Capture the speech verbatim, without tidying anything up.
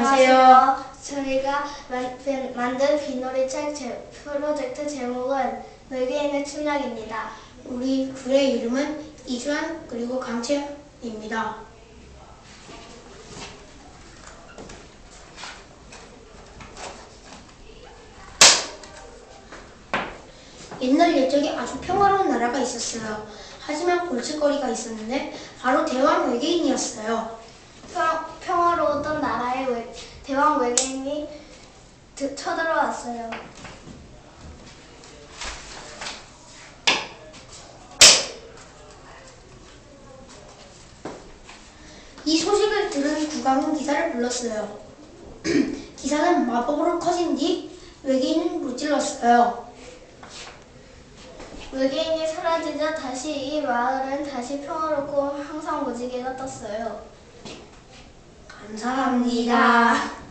안녕하세요. 저희가 만, 만든 빗놀이책 제, 프로젝트 제목은 외계인의 침략입니다. 우리 둘의 이름은 이주환 그리고 강채입니다. 옛날 옛적에 아주 평화로운 나라가 있었어요. 하지만 골칫거리가 있었는데 바로 대왕 외계인이었어요. 평, 평화로웠던 나라에 외, 대왕 외계인이 드, 쳐들어왔어요. 이 소식을 들은 국왕은 기사를 불렀어요. 기사는 마법으로 커진 뒤 외계인을 무찔렀어요. 외계인이 사라지자 다시 이 마을은 다시 평화롭고 항상 무지개가 떴어요. 감사합니다.